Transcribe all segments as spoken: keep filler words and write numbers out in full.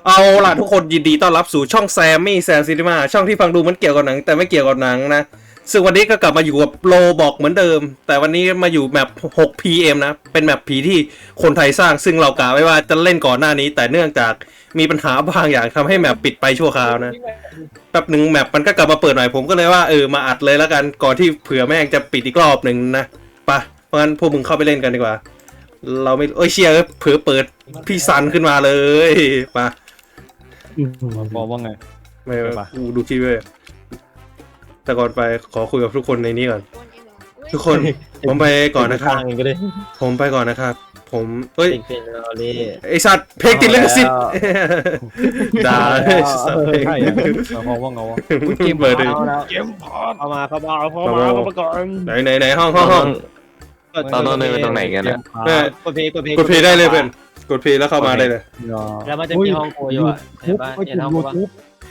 เอาล่ะทุกคนยินดีต้อนรับสู่ช่องแซมมี่แซมซีนีมาช่องที่ฟังดูเหมือนเกี่ยวกับหนังแต่ไม่เกี่ยวกับหนังนะซึ่งวันนี้ก็กลับมาอยู่กับโลบอกเหมือนเดิมแต่วันนี้มาอยู่แมป หก พี เอ็ม นะเป็นแมปผีที่คนไทยสร้างซึ่งเรากะไว้ว่าจะเล่นก่อนหน้านี้แต่เนื่องจากมีปัญหาบางอย่างทำให้แมปปิดไปชั่วคราวนะแป๊บหนึ่งแมปมันก็กลับมาเปิดใหม่ผมก็เลยว่าเออมาอัดเลยแล้วกันก่อนที่เผื่อแม่งจะปิดอีกรอบหนึ่งนะไปเพราะงั้นพวกมึงเข้าไปเล่นกันดีกว่าเราไม่เอ้ยเชียร์เผื่อเปิดพี่ซันขึ้นมาเลยมาบอกว่าไงไม่กูดูคลิปเลยแต่ก่อนไปขอคุยกับทุกคนในนี้ก่อนทุกคนผมไปก่อนนะครับผมไปก่อนนะครับผมเอ้ยไอสัตว์เพลงติดลิขสิทธิ์ด่าเพลงบอกว่าไงวะเกมเปิดเลยเกมพอดเข้ามาเข้ามาเข้ามาเข้ามาก่อนไหนไหนไหนห้องห้องห้องตอนนั้นเลยตรงไหนกันนะกดเพย์กดเพย์กดเพย์ได้เลยเพื่อนกดเพย์แล้วเข้ามาได้เลยแล้วมันจะมีห้องโคอยู่อ่ะเห็นป่ะเห็นห้องป่ะ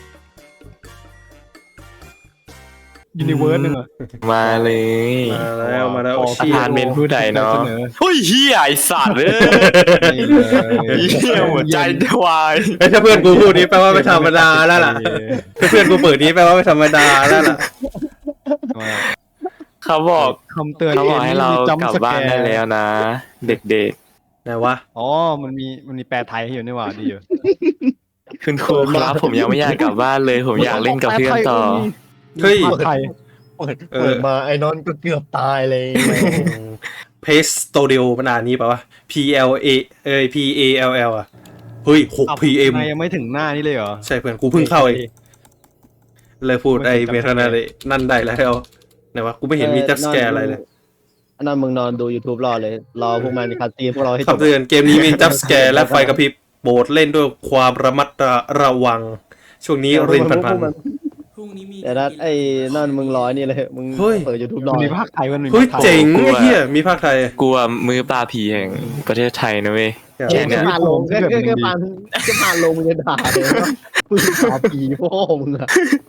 ยูนิเวิร์สหนึ่งอ่ะมาเลยมาแล้วมาแล้วชีพานเมนผู้ใดเนาะเฮ้ยเฮียไอสัตว์เลยเฮียหัวใจวายถ้าเพื่อนกูพูดนี้แปลว่าไม่ธรรมดาแล้วล่ะถ้าเพื่อนกูเปิดนี้แปลว่าไม่ธรรมดาแล้วล่ะเขาบอกคำเตือนเขาบอกให้เรากลับบ้านได้แล้วนะเด็กๆไหนวะอ๋อมันมีมันมีแปลไทยให้อยู่นี่หว่าดีอยู่คุณครูครับผมยังไม่อยากกลับบ้านเลยผมอยากเล่นกับเพื่อนต่อเฮ้ยไทยเปิดเปิดมาไอ้นอนก็เกือบตายเลยเพสโตเดียวมันอ่านนี้ป่าวะ P L A เอ้ย P A L L อ่ะเฮ้ย หก พี เอ็มยังไม่ถึงหน้านี่เลยเหรอใช่เพื่อนกูเพิ่งเข้าเองเลยพูดไอ้เมทานาเลยนั่นได้แล้วไหนวะกูไม่เห็นมีจับสแกร์อะไรเลยอันนั้นมึงนอนดู YouTube รอเลยรอพวกมันคัดตีพวกเราให้จบคำเตือนเกมนี้มีจับสแกร์และไฟกระพริบโปรดเล่นด้วยความระมัดระวังช่วงนี้รินพันพันแต่นั้นไอ้นั่นมึงร้อยนี่เลยมึงเปิด YouTube รอมีภาคไทยมันมีเฮ้ยเจ๋งไอ้เหี้ยมีภาคไทยกลัวมือปลาผีแห่งประเทศไทยนะเว้ยแค่เนี้ยผ่านลงแค่แค่แค่ผ่านแค่ผ่านลงมึงจะด่าเลยว่ามึงด่าผีพ่อมึงอะ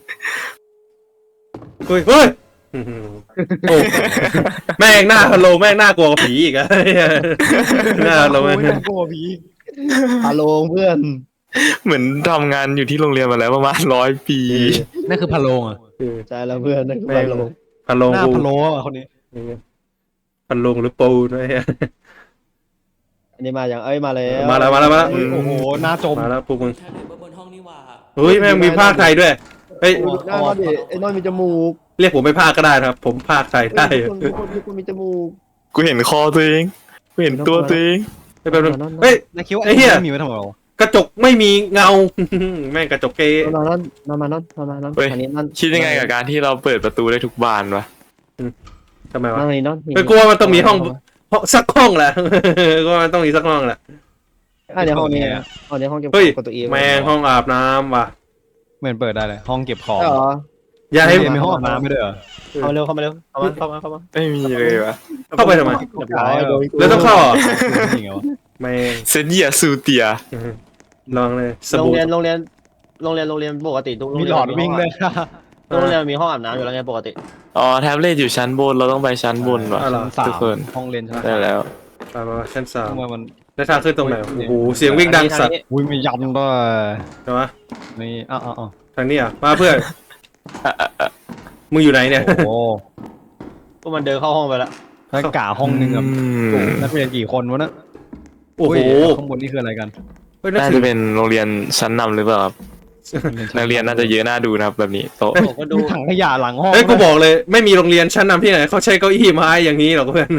เฮ้ยเฮ้ยโอ้แม่งหน้าฮัลโหลแม่งหน้ากลัวผีอีกอะหน้าฮัลโหลแม่งกลัวผีฮัลโหลเพื่อนเหมือนทำงานอยู่ที่โรงเรียนมาแล้วประมาณร้อยปีนั่นคือพะโลงอ่ะใช่แล้วเพื่อนนั่นคือพะโลงพะโลงหน้าพะโลอ่ะคนนี้พะโลงหรือปูด้วยอันนี้มาอย่างเอ้ยมาแล้วมาแล้วมาแล้วมาแล้วโอ้โหหน้าจมมาแล้วพวกมึงเฮ้ยแม่งมีภาคไทยด้วยเฮ้ยหน้าดิไอ้น้อยมีจมูกเรียกผมไปภาคก็ได้ครับผมภาคไทยได้ทุกคนทุกคนมีจมูกกูเห็นคอตัวเองกูเห็นตัวตัวเองเฮ้ยแป๊บนึงเฮ้ยไอ้เหี้ยมีไว้ทำไมกระจกไม่มีเงาแม่งกระจกเกย์นอนนอนนอนนอนนอนนอนนอนอันนี้นอนคิดยังไงกับการที่เราเปิดประตูได้ทุกบานวะทำไมวะนอนนอนไปกลัวมันต้องมีห้องสักห้องแหละก็มันต้องมีสักห้องแหละอันนี้ห้องนี้ห้องนี้ห้องเก็บของตัวเองแม่งห้องอาบน้ำว่ะเหมือนเปิดได้เลยห้องเก็บของอย่าให้มีห้องอาบน้ำไม่ได้เหรอเข้ามาเร็วเข้ามาเร็วเข้ามาเข้ามาเข้ามาไม่มีเลยวะเข้าไปทำไมแล้วต้องเข้าแม่งเซนเยียซูเตียลองเลยโรงเรียนโรงเรียนโรงเรียนโรงเรียนปกติทุกโรงเรียนมีหลอดวิ่งเลยโรงเรียนมีห้องอาบน้ำอยู่แล้วไงปกติอ๋อแท็บเล็ตอยู่ชั้นบนเราต้องไปชั้นบนว่ะทุกคนห้องเรียนใช่ไหมได้แล้วไปมาชั้นสามมันแล้วทางขึ้นตรงไหนโอ้โหเสียงวิ่งดังสัตว์อุ้ยมียำด้วยใช่ไหมนี่อ้าวอ้าวทางนี้อ่ะมาเพื่อนมึงอยู่ไหนเนี่ยโอ้พวกมันเดินเข้าห้องไปแล้วถ้ากะห้องนึงอ่ะนักเรียนกี่คนวะนะโอ้โหข้างบนนี่คืออะไรกันน่าจะเป็นโรงเรียนชั้นนำหรือเปล่าครับนักเรียนน่าจะเยอะน่าดูนะครับแบบนี้โต๊ะก็ดูถังขยะหลังห้องเฮ้ยกูบอกเลยไม่มีโรงเรียนชั้นนำที่ไหนเขาใช้เก้าอี้ไม้อย่างนี้หรอกเพื่อน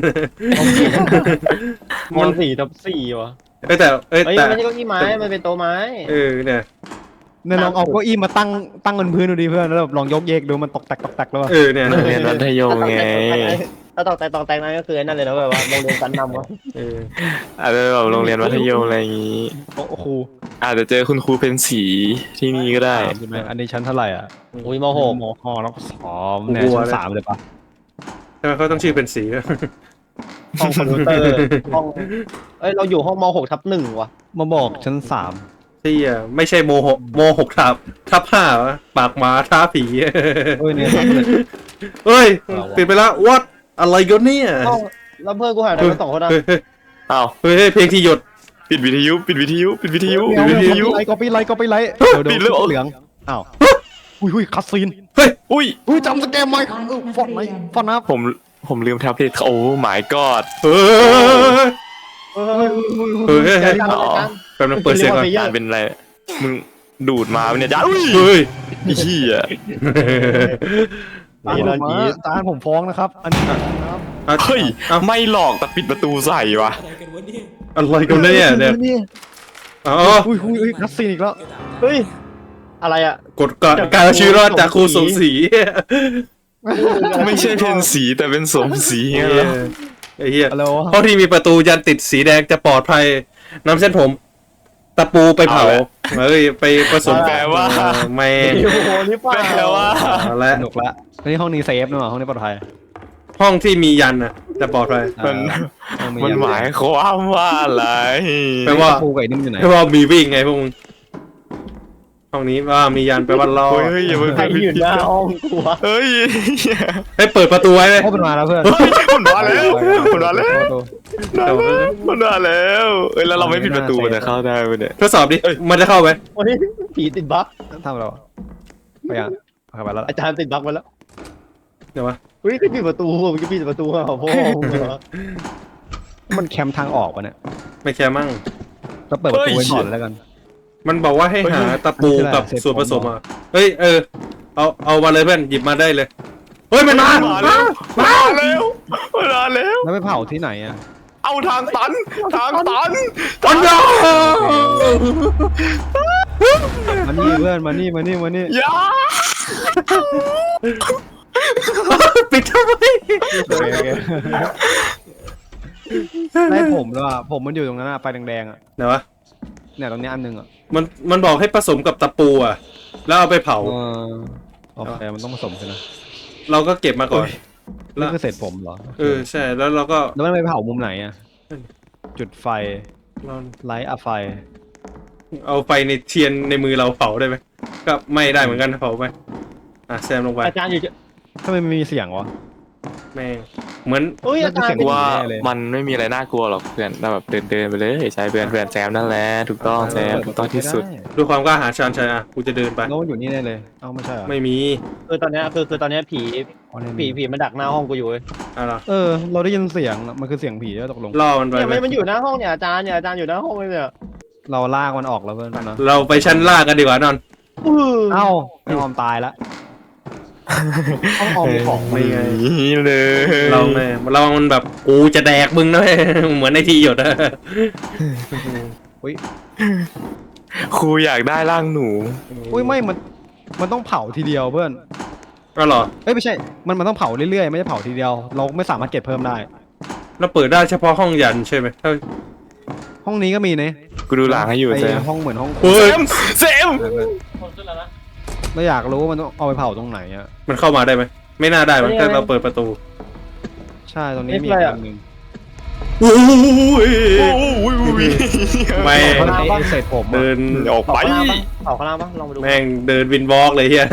มันสี่ทับสี่วะเอ้แต่เอ้แต่ไม่ใช่เก้าอี้ไม้มันเป็นโต๊ะไม้เออเนี่ยเนี่ยลองเอาเก้าอี้มาตั้งตั้งบนพื้นดูดิเพื่อนแล้วลองยกเยกดูมันตกแตกตกแตกแล้วเออเนี่ยโรงเรียนมัธยมไงถ้าตอกแตกตอกแตกนั่นก็คือนั่นเลยนะแบบว่าโรงเรียนชั้นนำวะเอออาจจะแบบโรงเรียนมัธยมอะไรอย่างงี้โอ้ครูอาจจะเจอคุณครูเป็นสีที่นี่ก็ได้ใช่ไหมอันนี้ชั้นเท่าไหร่อ่ะอุ้ยม.หกม.ห้าแล้วก็สองเนี่ยชั้นสามเลยปะทำไมเขาต้องชื่อเป็นสีห้องคอมพิวเตอร์ห้องเอ้ยเราอยู่ห้องม.หกทับหนึ่งวะมาบอกชั้นสามที่อ่ะไม่ใช่โมหกโมหกทับทับห้าวะปากหมาท้าผีเฮ้ยเนี่ยเฮ้ยปิดไปแล้ววัดอะไรกันเนี่ยแล้วเพื่อนกูหายไปสองคนนะอ้าวเฮ้ยเพลงที่หยดปิปิดวิทยุปิดวิทยุปิดวิทยุเดี๋ปิยวดวิทยุไลค์ก็ไปไลค์ก็ไปไลค์เดี๋ยวปิดเลยเหรอเหลืองอ้าวอุ้ยอุ้ยคัสซีนอุ้ยอุ้ยจำสแกมไหมฟอนไหมฟอนนะผมผมลืมแท็บเล็ตโอ้ my god เฮ้ยเฮ้ยเฮ้ยเฮ้ยจานจานจานแป๊บนึงเปิดเสียงก่อนจานเป็นอะไรมึงดูดมาเนี่ยจานอุ้ยเฮ้ยไอ้เหี้ยตามผมมาตามผมฟ้องนะครับ อันนี้นะครับเฮ้ยเอ้าไม่หลอกแต่ปิดประตูใส่วะอะไรกันเนี่ยเนี่ยอ๋ออุ้ยอุ้ยอุ้ยคัสซีนอีกแล้วเฮ้ยอะไรอ่ะกดการการเอาชีวิตรอดจากครูสมศรีไม่ใช่เพนสีแต่เป็นสมสีไงแล้วไอ้เหี้ยฮัลโหลห้องที่มีประตูยันติดสีแดงจะปลอดภัยนำเส้นผมตะปูไปเผาเฮ้ยไปผสมแปลว่าเออไม่โอ้โหนี่เปล่าแปลว่าเอาละสนุกละนี่ห้องนี้เซฟนะห้องนี้ปลอดภัยห้องที่มียันน่ะจะปลอดภัยมันห้องมันหมายความว่าอะไรแปลว่าปูไก่นิ่มอยู่ไหนแปลว่ามีวิ่งไงพวกมึงห้องนี้ว่ามียันแปลว่ารอเฮ้ยเฮ้ยอย่าไปใครอยู่หน้าห้องกูวะเฮ้ยให้เปิดประตูไว้ไหมโอ้เป็นมาแล้วเพื่อนมันมาแล้วมันมาแล้วมันมาแล้วเอ้ยแล้วเราไม่ปิดประตูมันจะเข้าได้ไหมเนี่ยทดสอบดิมันจะเข้าไหมวันนี้ผีติดบั๊กทำเราไปยังเข้าไปแล้วอาจารย์ติดบั๊กไปแล้วเดี๋ยววะเฮ้ยปิดประตูมึงจะปิดประตูเหรอพ่อมึงเหรอมันแคมทางออกวะเนี่ยไม่แค่มั่งก็เปิดประตูไว้ก่อนแล้วกันมันบอกว่าให้หาตะปูกับส่วนผสมอ่ะเฮ้ยเออเอาเอามาเลยเพื่อนหยิบมาได้เลยเฮ้ยมันมามาแล้วมาแล้วมาแล้วแล้วไปเผาที่ไหนอ่ะเอาทางตันทางตันตันยามานี่เพื่อนมานี่มานี่มานี่อย่าปิดทำไมโอเคโอเคได้ผมแล้วอ่ะผมมันอยู่ตรงนั้นอ่ะไฟแดงๆอ่ะเดี๋ยววะเนี่ยตรงนี้อันนึงอ่ะมันมันบอกให้ผสมกับตะปูอ่ะแล้วเอาไปเผาเออโอเคมันต้องผสมกันนะเราก็เก็บมาก่อนนี่คือเสร็จผมเหรอเออใช่แล้วเราก็แล้วมันไปเผามุมไหนอ่ะจุดไฟเราไลท์อะไฟเอาไฟในเทียนในมือเราเผาได้ไหมก็ไม่ได้เหมือนกันเผาไปอ่ะแซมลงไปอาจารย์อยู่จะทำไมมันมีเสียงวะแม่งเหมือนเฮ้ยอาจารย์กูว่ามันไม่มีอะไรน่ากลัวหรอกเพื่อนเราแบบเดินเดินไปเลยใช่เพื่อนเพื่อนแซมนั่นแหละถูกต้องแซมถูกต้องที่สุดด้วยความกล้าหาญชาญชัยอ่ะกูจะเดินไปแล้วมันอยู่นี่แน่เลยเอ้าไม่ใช่เหรอไม่มีคือตอนเนี้ยคือคือตอนเนี้ยผีอ๋อเนี่ยผีผีมันดักหน้าห้องกูอยู่เว้ยอะไรเออเราได้ยินเสียงมันคือเสียงผีแล้วตกลงล่อมันไปเนี่ยไหมมันมันอยู่หน้าห้องเนี่ยอาจารย์เนี่ยอาจารย์อยู่หน้าห้องเลยเนี่ยเราลากมันออกแล้วเพื่อนนะเราไปชั้นล่างกันดีกว่านอนอื้อเอ้าไอออมตายละห้องออมมีของไม่ไงนี่เลยเราแม่เรามันแบบกูจะแดกมึงนะเว้ยเหมือนในทีหยดอะครูอยากได้ร่างหนูอุ้ยไม่มันมันต้องเผาทีเดียวเพื่อนก็หรอเอ้ยไม่ใช่มันมันต้องเผาเรื่อยๆไม่ใช่เผาทีเดียว เราไม่สามารถเก็บเพิ่มได้เราเปิดได้เฉพาะห้องยันใช่ไหมถ้าห้องนี้ก็มีนะกูดูหลังให้อยู่ไอแซมห้องเหมือนห้องเฮ้แซยมแซมเราอยากรู้ว่ามันต้องเอาไปเผาตรงไหนอ่ะมันเข้ามาได้ไหมไม่น่าได้มั้งถ้าเราเปิดประตูใช่ตรงนี้มีอีกอันหนึ่งอุ้ยโอ้ยไม่เพราะไอ้เศษผมอะเดินออกเผาไปข้างล่างปะเผาข้างล่างปะลองไปดูแม่งเดินวินวอล์กเลยเฮีย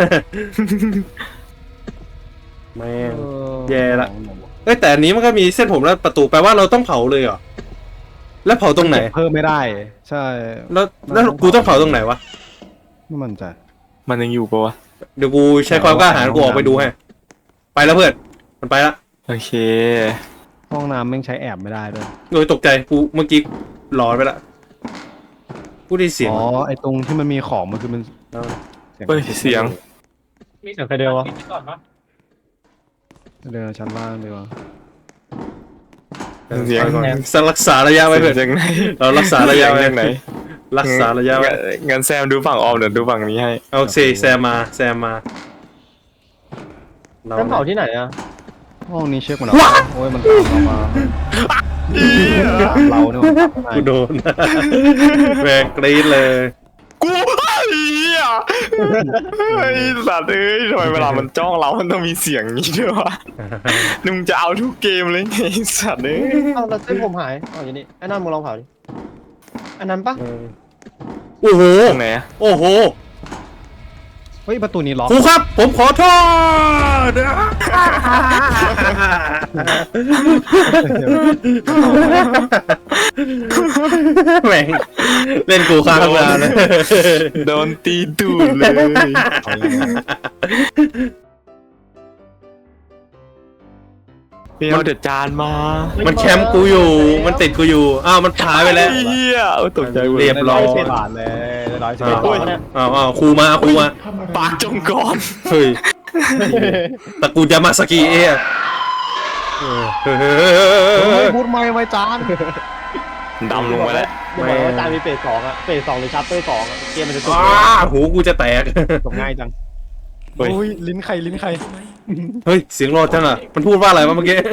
แม่งเออแย่ละ เอ้ยแต่อันนี้มันก็มีเส้นผมแล้วประตูแปลว่าเราต้องเผาเลยเหรอแล้วเผาตรงไหนเก็บเพิ่มไม่ได้ ใช่แล้วแล้วกูต้องเผาตรงไหนวะไม่มั่นใจมันยังอยู่ปะวะเดี๋ยวกูใช้ความกล้าหาญกูออกไปดูให้ไปแล้วเพื่อนมันไปละโอเคห้องน้ำแม่งใช้แอบไม่ได้ด้วยโดยตกใจกูเมื่อกี้หลอนไปละกูได้เสียงอ๋อไอตรงที่มันมีของมันคือมันแล้วเฮ้ยเสียงเดี๋ยวใครเดียววะเดินชั้นล่างดีกว่าเสียงสักรักษาระยะไว้เพื่อนจากไหนเรารักษาระยะไว้จากไหนรักษาระยะไว้งั้นแซมดูฝั่งออมเดี๋ยวดูฝั่งนี้ให้โอเคแซมมาแซมมาเราแล้วเผาที่ไหนอะห้องนี้เช็คมันออกโอ้ยมันตามเรามาตามเราเนี่ยมันตามกูโดน แม่งกรี๊ดเลยกูไอ้เหี้ยไอ้สัตว์เอ้ยทำไมเวลามันจ้องเรา มันต้องมีเสียงนี้ด้วยวะมึงจะเอาทุกเกมเลยไงไอ้สัตว์เอ้ยเอาแล้วเส้นผมหายเอาอย่างนี้ไอ้นั่นมึงลองเผาดิอันนั้นปะโอ้โหตรงไหนอะโอ้โหเฮ้ฮ้ยประตูนี้ล็อกครูครับ ผมขอโทษแม่งเล่นกูค้างนานเลยโดนตีตูดเลยพี่เอาเดือดจานมามันแคมป์กูอยู่ มันติดกูอยู่ อ้าว มันหายไปแล้วเฮียตกใจหมดเรียบร้อยสิบบาทเลยร้อยสิบอ้าวบาทอ้าวอ้าวครูมาครูมาปากจงกรเฮ้ยตระกูลยามาสกิเอะเออเฮ้ยเฮ้ยเฮ้ยเฮ้เฮ้ยยพูดไม่ไว้จานดำลงไปแล้วอย่าบอกว่าจานมีเฟสสองอะเฟสสองหรือชัปเตอร์สองอะเกมมันจะจบอ้าหูกูจะแตกจบง่ายจังเฮ้ยโอ้ยลิ้นใครลิ้นใครเฮ้ย เสียงรอดจังอ่ะ มันพูดว่าอะไรวะเมื่อกี้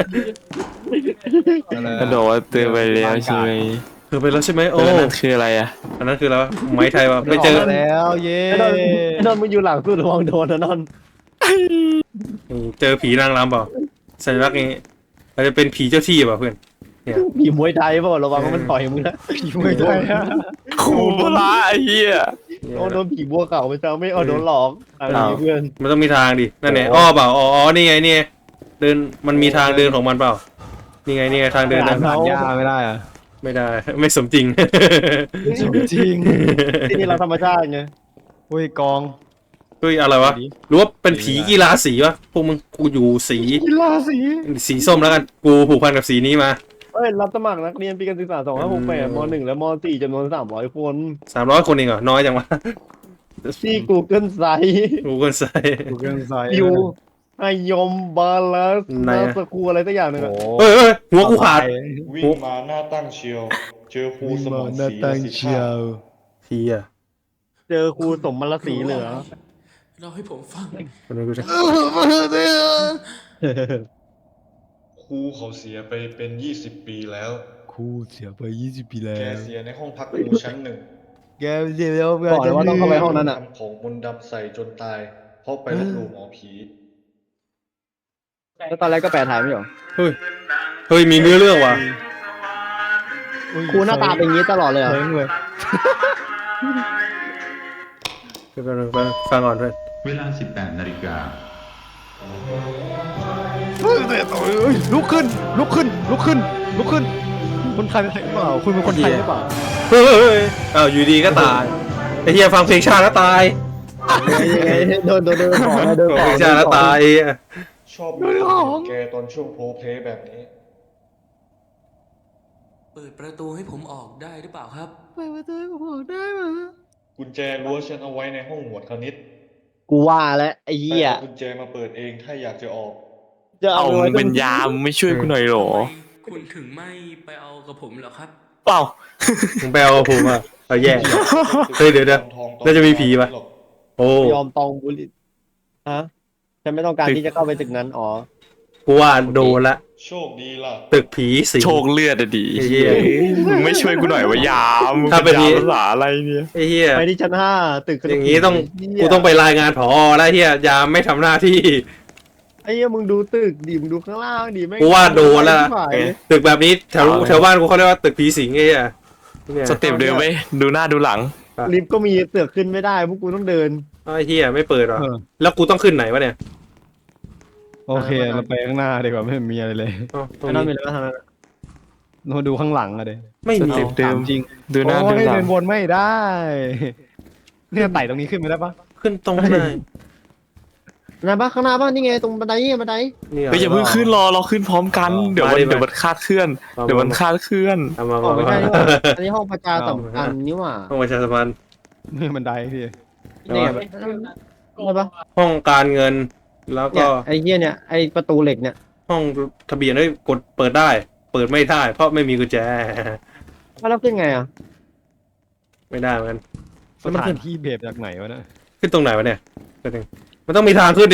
กระโดดเตือนไปแล้วใช่ไหมเธอไปแล้วใช่ไหมโอ้โอ้นั่นคืออะไรอ่ะอันนั้นคืออะไรวะไม้ไทยวะไม่เจอแล้วเย้ไอ้นนท์ไอ้นนท์มึงอยู่หลังสุดระวังโดนนะนนท์เจอผีนางรำเปล่าสัญลักษณ์นี้อาจจะเป็นผีเจ้าที่เปล่าเพื่อนผีมวยไทยเปล่าระวังว่ามันต่อยมึงนะผีไม่ได้อะครูโบราณไอ้เหี้ยโอ้โดนผีบัวเก่าไปเจ้าไม่เอาโดนหลอกอะไรอย่างงี้เพื่อนมันต้องมีทางดิ นั่นไงอ้อเปล่า อ๋ออ๋อนี่ไงนี่ไงเดิน มันมีทางเดินของมันเปล่า นี่ไงนี่ไงทางเดินนะผ่านยาไม่ได้อะไม่ได้ ไม่สมจริงจริงที่นี่เราธรรมชาติไงโอ้ยกองเฮ้ยอะไรวะ หรือว่าเป็นผีกีฬาสีวะ พวกมึงกูอยู่สีกีฬาสีสีส้มแล้วกัน กูผูกพันกับสีนี้มาเอ้ยรับสมัครนักเรียนปีการศึกษาสองห้าหกแปดมหนึ่งและมสี่จำนวนสามร้อยคนสามร้อยคนเองเหรอ น้อยจังวะที่ Google Site กูเกินใส่ถูกเรื่องใส่ยูไอยมบาลัสไหนนาอะสกูอะไรสักอย่างหนึ่งอะเฮ้ยเฮ้ยหัวกูขาดวิ่งมาหน้าตั้งเชียว เจอครูสมองหน้าสีตั้งสิเชียวเฮียเจอครูสมมรสีเหลือเราให้ผมฟังคนนี้กูจะครูเขาเสียไปเป็นยี่สิบปีแล้วครูเสียไปยี่สิบปีแล้แกวเสียในห้องพักครูชั้นหนึ่งแกเสียแล้วบอกเลยว่าต้องเข้าไปห้องนั้นอะทำของมนต์ดำใส่จนตาย เพราะไปลบหลู่หมอผีแล้วตอนแรกก็แปลไทยไม่หรอเฮ้ย เฮ้ย มีเนื้อเรื่องว่ะครูหน้าตาเป็นอย่างนี้ตลอดเลยเหรอเฮ้ยเลยเดี๋ยวแป๊บนึงแป๊บนึงฟังก่อนเพื่อนเวลา สิบแปด นาฬิกาลุกขึ้น ลุกขึ้น ลุกขึ้น ลุกขึ้น คนไทยเป็นไทยหรือเปล่า คุณเป็นคนไทยหรือเปล่าเฮ้ยเฮ้ยเฮ้ยอ้าวอยู่ดีก็ตาย ไอ้เฮียฟังเพลงชาติแล้วตายโดนโดนโดนของนะโดนฟังขอเพลงงชาติแล้วตายไอ้เหี้ยชอบดูของแกตอนช่วงโพลเพลย์แบบนี้เปิดประตูให้ผมออกได้หรือเปล่าครับกุญแจรั้วฉันเอาไว้ในห้องหมวดคณิตกูว่าแล้วไอ้เหี้ยให้เอากุญแจมาเปิดเองถ้าอยากจะออกจะเอาเอามึไว้งเป็นยามมึงไม่ช่วยกูหน่อยเหรอคุณถึงไม่ไปเอากับผมเหรอครับเปล่ามึงไปเอาผมอ่ะเอาแย่ เฮ้ยเดี๋ยวเดี๋ยวทองๆน่าจะมีผีปะ โอ้ยอมตองบุลิฮะฉันไม่ต้องการที่จะเข้าไปตึกนั้นอ๋อกูว่าโดนละโชคดีล่ะตึกผีสิงโชคเลือดอะดีไอ้เหี้ยมึงไม่ช่วยกูหน่อยวะยามมึงถ้าเป็เป็น นนี้ยามภาษาอะไรเนี่ยไอ้เฮียไปที่ชั้นห้าตึกอย่างนี้ต้องเหี้ยกูต้องไปรายงานผอแล้วเฮียยามไม่ทำหน้าที่ไอ้เหี้ยมึงดูตึกดิมึงดูข้างล่างดิไม่งกูว่าโดนละไม่ไหวตึกแบบนี้แถวแถวบ้านกูเขาเรียกว่าตึกผีสิงไอ้เฮียเนี่ยสเต็ปเดิมไหมดูหน้าดูหลังลิฟต์ก็มีเสือกขึ้นไม่ได้พวกกูต้องเดินไอ้เฮียไม่เปิดหรอเออแล้วกูต้องขึ้นไหนวะเนี่ยโอเค เราไปข้างหน้าดีกว่าไม่มีอะไรเลยอ๋อตรงไอ้นั่นมีนี้อะไรบ้างทางนั้นเราดูข้างหลังอะเด็ไม่มีสเต็ปเดิมจริงดูหน้าโอ้ดูยหลัเดิงนวนไม่ได้ เนี่ยไต่ตรงนี้ขึ้นไม่ได้ปะขึ้นตรงไหนไหนบ้างข้างหน้าบ้างนี่ไงตรงบันไดนี่ไงบันไดนี่เฮ้ยอย่าเพิ่งขึ้นรอเราขึ้นพร้อมกัน เดี๋ยวมันมาดิมาเดี๋ยวมันคาดเคลื่อน เดี๋ยวมันคาดเคลื่อนเอามาออกมาไม่มาได้นี่หว่าอันนี้ห้องประชาสัมพันธ์นี่หว่าห้องประชาสัมพันธ์นี่บันไดพี่นี่ไงใช่ปะห้องการเงิน แล้วเนี่ก็ยไอ้เหี้ยเนี่ยไอ้ประตูเหล็กเนี่ยห้องทะเบียนเฮ้ยกดเปิดได้ เปิดไม่ได้ เพราะไม่มีกุญแจแล้วขึ้นไงอ่ะไม่ได้เหมือนกันสถานที่เบบจากไหนวะเนะขึ้นตรงไหนวะเนี่ยแป๊บนึงมันต้องมีทางขึ้นดิ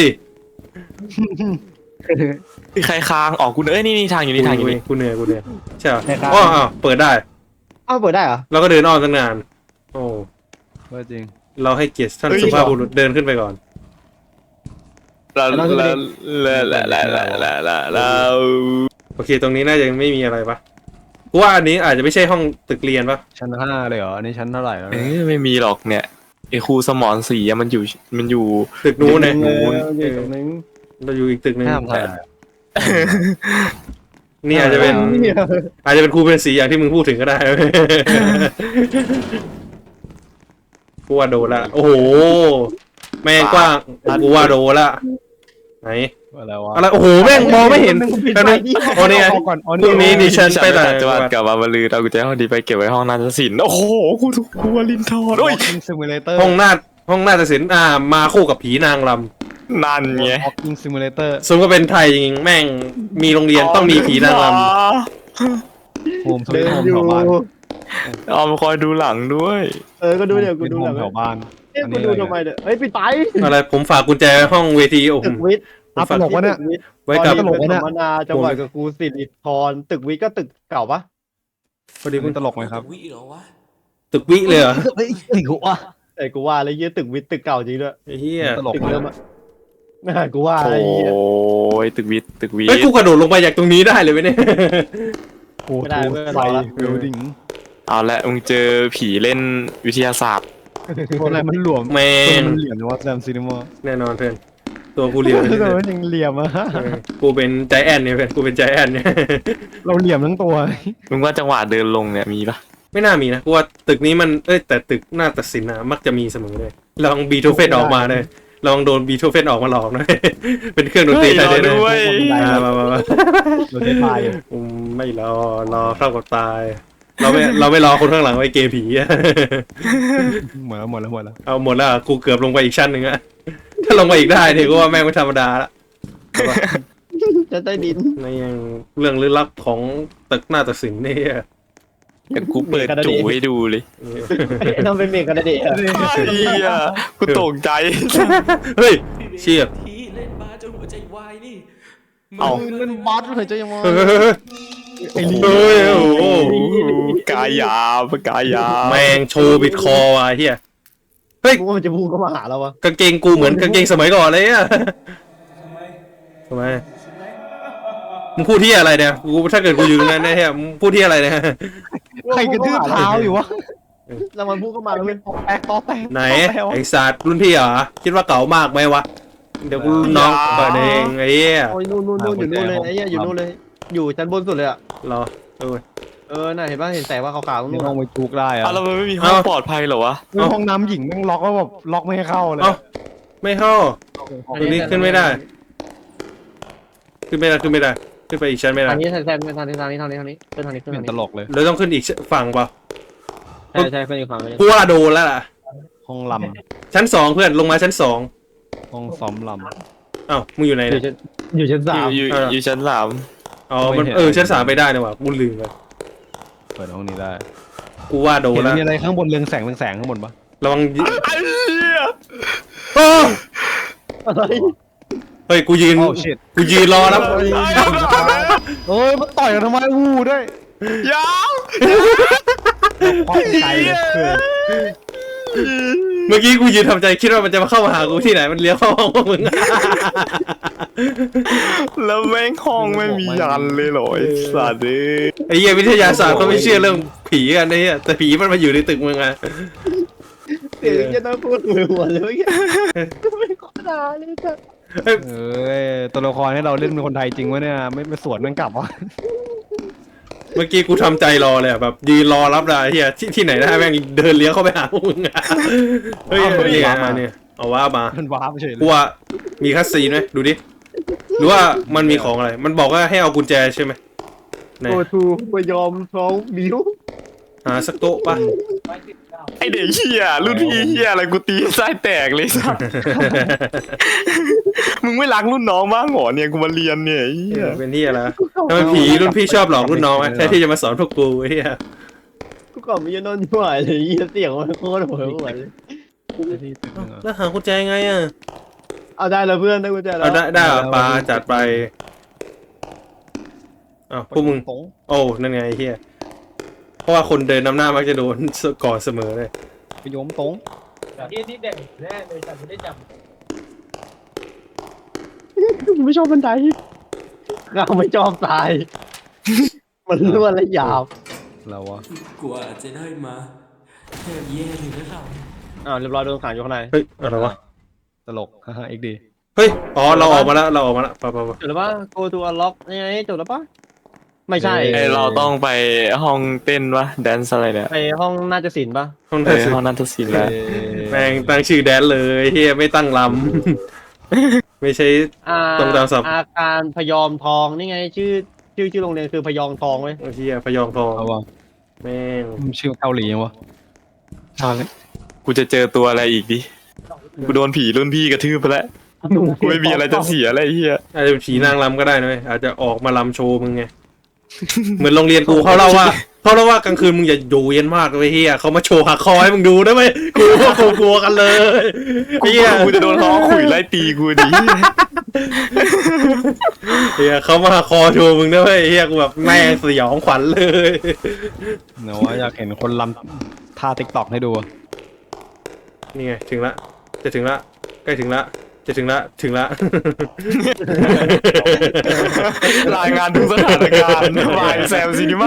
มีใครค้างออกกูเอ้ยนี่นี่ทางอยู่นี่ทางอยู่นี่กูเหนื่อยกูเหนื่อยใช่เหรอไหนครับอ๋ออ้าวเปิดได้เอ้าเปิดได้เหรอเราก็เดินอ้อมตั้งนาน โอ้ว่าจริงเราให้เกียรติท่านสุภาพบุรุษเดินขึ้นไปก่อนแล้วแล้วแล้วแล้วแล้วแล้วแล้วแล้วโอเค ตรงนี้น่าจะยังไม่มีอะไรปะกูว่าอันนี้อาจจะไม่ใช่ห้องตึกเรียนปะชั้นห้าเลยเหรออันนี้ชั้นเท่าไหร่แล้วเอ้เนี่ยยไม่มีหรอกเนี่ยไอ้ครูสมอนสีอะมันอยู่มันอยู่ตึกนู้นเนี่ยเอออยู่ตรงนึงเราอยู่อีกตึกหนึงห้ามถ่ายนี่อาจจะเป็นเนี่ยอาจจะเป็นครูเป็นสีอย่างที่มึงพูดถึงก็ได้ กูว่าโดนละโอ้โหแม่งกว้างกูว่าโดนละไหนอะไรวะอะไรโอ้โหแม่งมองไม่เห็นปิดแป๊บไฟนึงดิโอ้นี่ไงเอาก่อนเอาพรุ่งนี้ดิฉัน ไปไหนจังหวัดกลับมาบรรลือเอากุญแจห้องดีไปเก็บไว้ห้องนาฏศิลป์โอ้โหกูถูกครูวลินทรโอ้ย Walking Simulator ห้องนาฏห้องนาฏศิลป์อ่ามาคู่กับผีนางรนั่นไง Walking Simulator ำซึ่งก็เป็นไทยจริงๆแม่งมีโรงเรียนต้องมีผีนางรโฮมสวีเดิทนโฮมอยู่แถวบ้านเอามาคอยดูหลังด้วยเออก็ดูเดี๋ยวกูดูโฮหลัมงแถวบ้านเอ้ยกูดูทำไมเนี่ยเฮ้ยปิดไฟำอะไรผมฝากกุญแจห้องเวทีโอ้โหตึกวิทย์อ่ะตลกวะเนี่ยตึวิทย์ไว้กับตอนนี้เป็นสัมมนาจังหวัดกับครูสิริธรตึกวิทย์ก็ตึกเก่าปะพอดีคุณตลกไหมครับวิเหรอวะตึกวิเลยเหรอเฮ้ยไอ้กูว่าแต่กูว่าแล้วเยี่ยตึกวิทย์ตึกเก่าจริงด้วยไอ้เหี้ยตลกตึกไหมเดิมอะน่ากูว่าโอไอ้เหี้ย้ยตึกวิทย์ตึกวิทเฮ้ยย์กูกระโดดลงไปจากตรงนี้ได้เลยไหมเนี่ยโอ้โหไฟบิลดิ้งเอาละมึงเจอผีเล่นวิทยาศาสตร์อะไรมันหลวมแม่ตัวงมันเหลี่ยมนะว่าแซมซีนิมอแน่นอนเพื่อนตัวกูเรียวแต่มันยังเหลี่ยมอะเออกูเป็นใจแอนเนี่ยเพื่อนกูเป็นใจแอนเนี่ยเราเหลี่ยมทั้งตัวมึงว่าจังหวะเดินลงเนี่ยมีปะไม่น่ามีนะกูว่าตึกนี้มันเอ้ยแต่ตึกหน้าตัดสินนะมักจะมีเสมอเลยลองบีโธเฟนออกมาเลยลองโดนบีโธเฟนออกมาหลอกนะ เป็นเครื่องดนตรีไทยเลยนะด้วยมามามามาเราได้ตายอยู่อืมไม่รอรอเข้ากับตาย เราไม่เราไม่รอคนข้างหลังไว้เกย์ผีอะหมดแล้วหมดแล้วหมดแล้วเอาหมดแล้วอะกูเกือบลงไปอีกชั้นหนึ่งอะถ้าลงไปอีกได้เนี่ยก็ว่าแม่งไม่ธรรมดาละจะใต้ดินในยังเรื่องลึกลับของตึกหน้าตัดสินนี่อะเดี๋ยวกูเปิดจูให้ดูเลยไอ้นั่นเป็นเมฆกันนะเด็กเฮียกูตกใจเฮ้ยเชี่ยทีเล่นบาสจนหัวใจวายนี่เอาเล่นบาสเฉยๆยังมองเฮ้ยเฮ้ยเฮ้ยไอ้ลีเฮ้ยโอ้โหกายาปกายาแมงโชว์บิดคอว่ะเฮียเฮ้ยกูว่ามันจะพูดเข้ามาหาเราวะกางเกงกูเหมือนกางเกงสมัยก่อนเลยอะทำไมมึงพูดที่อะไรเนี่ยกูถ้าเกิดกูอยู่ตรงนั้นนะเฮียมึงพูดที่อะไรเนี่ยใครกระทืบเท้าอยู่วะแล้วมันพูดเข้ามาแล้วเว้ยแตกต่อแตกไหนไอ้สัตว์รุ่นพี่เหรอคิดว่าเก่ามากไหมวะเดี๋ยวกูรุ่นน้องเปิดเองไอ้เหี้ยโอ้ยนู่นนู่นนู่นอยู่นู่นเลยไอ้เหี้ยอยู่นู่นเลย อยู่ชั้นบนสุดเลยอ่ะรอเออเออน่ะเห็นป่ะเห็นแสงว่าขาวๆตรงไม่นู้นต้ออะงไปจุกได้อะเอาแล้วมันไม่มีห้องปลอดภัยเหรอวะห้องน้ำหญิงแม่งล็อกแล้วแบบล็อกไม่ให้เข้าเลยเอ้าไม่เข้าตรงนี้ขึ้นไม่ได้ ขึ้นไม่ได้ขึ้นไม่ได้ขึ้นไปอีกชั้นไม่ได้ทางนี้แซมๆทางนี้ทางนี้ทางนี้ทางนี้ขึ้นทางนี้ขึ้นเป็ทาน งตนี้ลกเลยแล้วต้องขึ้นอีกฝั่งเปล่าใช่ใช่ขึ้นอีกฝั่งนึงกูว่าโดนแล้วล่ะห้องลชั้นสองเพื่อนลงมาชั้นสองำห้องซ้อมลอ้าวมึงอยู่ไหนอยู่เนี่ยชั้นอยู่ชั้นสามอยู่อยู่อยู่ชั้นสามอ๋อมันเออชั้นสามไปได้นะว่ะกูลืมไปำเปิดห้องนี้ได้กูว่าโดนเห็นแล้วมีอะไรข้างบนเรืองแสงเรืองแสงข้างบนปะระวังยิไอ้เหี้ยโอ้อะไรเฮ้ยกูยืนโอ้ชิตกูยืนรอแล้วเอ้ยมันต่อยกันทำไมวูด้วยยาวคว้าใจเลยเพื่อนเมื่อกี้กูยืนทำใจคิดว่ามันจะมาเข้ามาหากูที่ไหนมันเลี้ยวเข้าห้องพวกมึงแล้วแม่งห้องไม่มียันเลยเหรอไอ้สัตว์เอ้ยไอ้เหี้ยวิทยาศาสตร์เขาไม่เชื่อเรื่องผีกันไอ้เหี้ยแต่ผีมันมาอยู่ในตึกมึงไงเสียงจะน่าพูดหัวหัวเลยเมื่อกี้ก็ไม่ขอด่าเลยจ้ะเอ้ยตัวละครให้เราเล่นเป็นคนไทยจริงวะเนี่ยไม่ไปสวนมันกลับวะเมื่อกี้กูทำใจรอเลยอะแบบยืนรอรับได้ไอ้เหี้ยที่ที่ไหนได้แม่งเดินเลี้ยวเข้าไปหาพวกมึงอะเฮ้ยนี่ไงมาเนี่ยเอาว่ามามันว้าไปเฉยเลกูยว่ามีคัสซีนไหมดูดิหรือว่ามันมีของอะไร มันบอกว่าให้เอากุญแจใช่ไหมไหนโกทูไปยอมท้องบิวหาสักโต๊ะปะไอเด็กเฮียรุ่นพี่เฮียอะไรกูตีไส้แตกเลยสัตว์มึงไม่รักรุ่นน้องบ้างเหรอเนี่ยกูมาเรียนเนี่ยไอ้เฮียเป็นที่อะไรทำไมผีรุ่นพี่ชอบหลอกรุ่นน้องไหมแค่ที่จะมาสอนพวกกูไอ้เหี้ยกูก่อนมีนอนอยู่ไหวเลยเหี้ยเสียงมันโคตรหัวหัวเลยแล้วหากุญแจไงอ่ะเอาได้แล้วเพื่อนได้กุญแจแล้วเอาได้ได้เหรอปลาจัดไปอ้าวพวกมึงตรงโอ้นั่นไงไอ้เฮียเพราะว่าคนเดินนำหน้ามักจะโดนก่อนเสมอเลยไปโยมตรงที่นี่เด็กแน่เลยแต่ไม่ได้จำกูไม่ชอบบันไดเราไม่ชอบตาย มันรั่วและหยาบเราวะกว่าจะได้มาแทบแย่เลยนะเราอ้าวเรียบร้อยโดนขังอยู่ข้างในเฮ้ยอะไรวะตลกฮ่าฮ่าเอ็กดีเฮ้ยอ๋อเราออกมาแล้วเราออกมาแล้วไปไปไปจบแล้วปะ go to unlock นี่ไงจบแล้วปะไม่ใช่ไอเราต้องไปห้องเต้นวะแดนซ์อะไรเนี่ยไปห้องน่าจะศิลป์ปะห้องเอนั้นอสิห้องนันทศิลป์แล้วแม่งตั้งชื่อแดนเลยเฮียไม่ตั้งลำ ไม่ใช่อ่าตรงดาวสับอาการพยอมทองนี่ไงชื่อชื่อชื่อโรงเรียนคือพยองทองเว้ยเฮียพยองทองเอาวะแม่งมันชื่อเกาหลียังวะเอาเลยกูจะเจอตัวอะไรอีกดิกูโดนผีรุ่นพี่กระทืบไปแล้วกูไม่มีอะไรจะเสียอะไรเฮียอาจจะเป็นผีนางรำก็ได้นะเว้ยอาจจะออกมารำโชว์มึงไง เหมือนโรงเรียนกูเขาเล่าว่าเขาเล่าว่ากลางคืนมึงอย่าอยู่เย็นมากเลยเฮียเขามาโชว์หักคอให้มึงดูได้ไหมกูก็กลัวกันเลยกูเฮียกูจะโดนล้อขุยไล่ตีกูดิเฮียเขามาหักคอโชว์มึงได้ไหมเฮียกูแบบแม่งสยองขวัญเลยเนาะว่าอยากเห็นคนลำท่าติ๊กต็อกให้ดูอะนี่ไงถึงละจะถึงละใกล้ถึงละจะถึงละถึงละรายงานทุกสถานการณ์วายแซมซีนิมา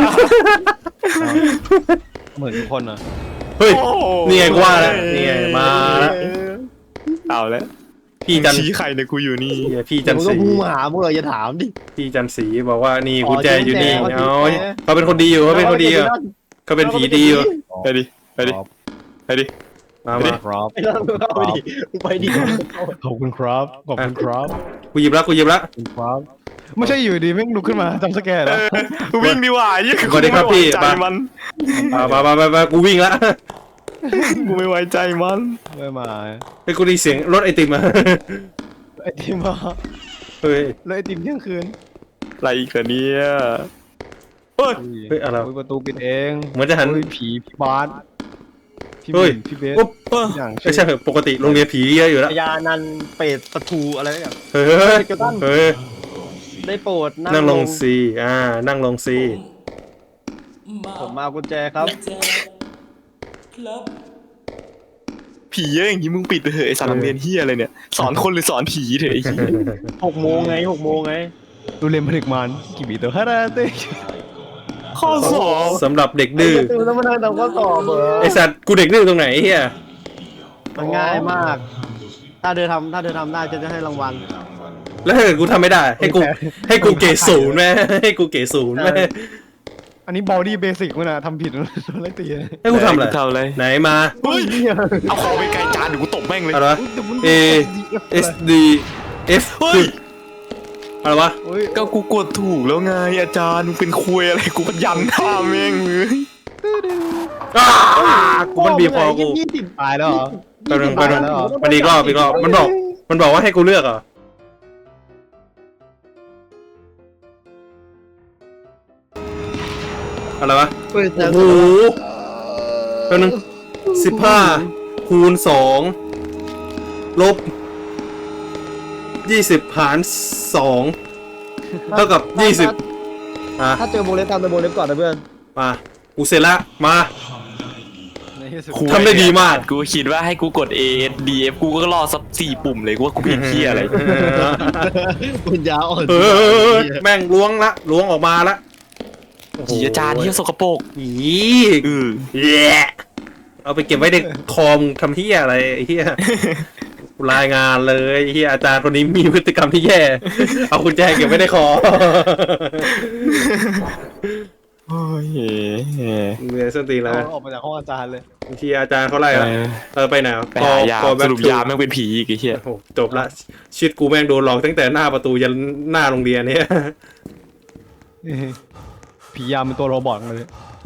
เหมือนทุกคนอะเฮ้ยนี่ไงกูว่าแล้วนี่ไงมาแล้วเอาแล้วพี่จันชี้ใครเนี่ยกูอยู่นี่เฮียพี่จันมึงศก็รีพูดมาหาพวกเราอย่าถามดิพี่จันศรีบอกว่านี่อ๋อกุญแจอยู่นี่กุญแจเอากุญแจเขาเป็นคนดีอยู่เขาเป็นคนดีอยู่เขาเป็นผีดีอยู่ไปดิไปดิไปดิมาไปดิมาครับไปแล้วมึงเข้าไปดิมึงไปดิขอบคุณครับขอบคุณครับกูหยิบละกูหยิบละขอบคุณครับไม่ใช่อยู่ดีแม่งลุกขึ้นมาจำสแกนเอแล้วอกูวิ่งดีกว่ายี่สวัสดีครับพี่ใจมันมามามามามากูวิ่งละกูไม่ไว้ใจมันไม่มาไอ้ยกูได้ยินเสียงรถไอติมมาไอติมมาเฮ้ยแล้วไอติมเที่ยงคืนอะไรอีกอะเนี่ยเฮ้ยเฮ้ยอะไรวะอุ๊ยประตูปิดเองเหมือนจะหันอุ๊ยผีพี่บาสพี่เฮ้บิยนพี่เบสอุ๊บทุกอย่างไม่ใช่เหรอปกติโรงเรียนผีเยอะอยู่แล้วพญานันเปรตประตูอะไรอย่างเฮ้ยเฮ้ยเฮ้ยได้โปรดนั่งลงซีอ่านั่งลงซีมาผมมาเอากุญแจครับแจครับผีเยอะอย่างนี้มึงปิดไปเถอะไอสารโรงเรียนเฮียอะไรเนี่ยสอนคนหรือสอนผีเถอะไอ้เหี้ยหกโมงไงหกโมงไงดูเรียนผลิตมันกี่บีตัวฮาราเต้ข้อสอบสำหรับเด็กดื้อไตื่นแล้วมานั่งทำข้อสอบเหรอไอสัตว์กูเด็กดื้อตรงไหนเฮียมันง่ายมาก ถ้าเธอทำถ้าเธอทำได้ฉันจะให้รางวัลแล้วถ้าเกิดกูทำไม่ได้ ให้กูให้กูเกรดศูนย์ไหมให้กูเกรดศูนย์ไหมอันนี้บอดี้เบสิกมันอะทำผิดมันอะไรตีเลยให้กูทำอะไรทำอะไรไหนมาเฮ้ยเอาของไปไกลจานเดี๋ยวกูตบแม่งเลยอะไรวะ A S D F เฮ้ยอะไรวะโอ้ยก็กูกดถูกแล้วไงอาจารย์มึงเป็นคุยอะไรกูก็ยันท่าแม่งเลยอ้ากูมันบีบคอกูยี่สิบตายแล้วเหรอแป๊บนึงแป๊บนึงแล้วเหรอมันอีกรอบอีกรอบมันบอกมันบอกว่าให้กูเลือกเหรออะไรวะเฮ้ยโอ้โหแป๊บนึงสิบห้าคูณสองลบยี่สิบหารสองเท่ากับยี่สิบอ่ะถ้าเจอโบเล็บทำเป็นโบเล็บก่อนนะเพื่อนมากูเสร็จละมาในที่สุดทำได้ดีมากกูคิดว่าให้กูกด A S D F กูก็รอสักสี่ปุ่มเลยกูว่ากูผิดที่อะไรปัญญาอ่อนเออแม่งล้วงละล้วงออกมาละผีอาจารย์ที่สกปรกอีเออแย่เอาไปเก็บไว้ในคอมทำเฮียอะไรไอ้เฮียรายงานเลยไอ้เฮียอาจารย์คนนี้มีพฤติกรรมที่แย่ เอากุญแจเก็บไว้ในคอโอ้ยเรียนส้นตีนแล้วเอาออกมาจากห้องอาจารย์เลยบางทีอาจารย์เขาไล่ละเออไปไหนวะไปหายาคอสแบ็ครุปทูยาแม่งเป็นผีอีกไอ้เหี้ยโอ้โหจบละชีวิตกูแม่งโดนหลอกตั้งแต่หน้าประตูยันหน้าโรงเรียนเนี่ยผียามเป็นตัวโรบอทเลย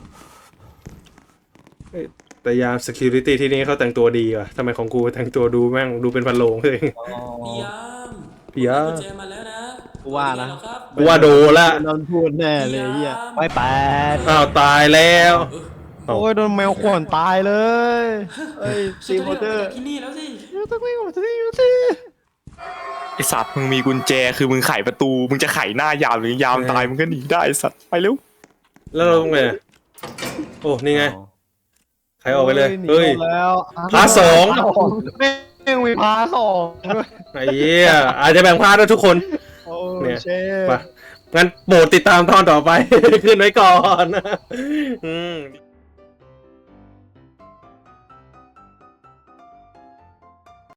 แต่ยาม security ที่นี่เขาแต่งตัวดีว่ะทำไมของกูแต่งตัวดูแม่งดูเป็นพันโลงเลยพี่ยามพี่ยามกุญแจมาแล้วนะกูว่านะเป็ไงครับกูว่าโดนละนอนพูดแน่เลยเฮียไม่แปดอ้าวตายแล้วโอ้ยโดนแมวข่วนตายเลยเอ้ยฉัซีนโมจะเตอได้ร์ออกจากที่นี่แล้วสิต้องไม่หมดที่อยู่สิไอสัตว์มึงมีกุญแจคือมึงไขประตูมึงจะไขหน้ายามหรือยามตายมึงก็หนีได้ไอ้สัตว์ไปเร็วแล้วเราไงอะโอ้นี่ไงใครออกไปเลยเฮ้ยหนีแล้วพาร์ทสองแม่งมีพาร์ทสองด้วยไอ้เหี้ยอาจจะแบ่งพาร์ทด้วยทุกคนโอ้เนี่ยเชฟไปงั้นโปรดติดตามตอนต่อไป ขึ้นไว้ก่อน อืม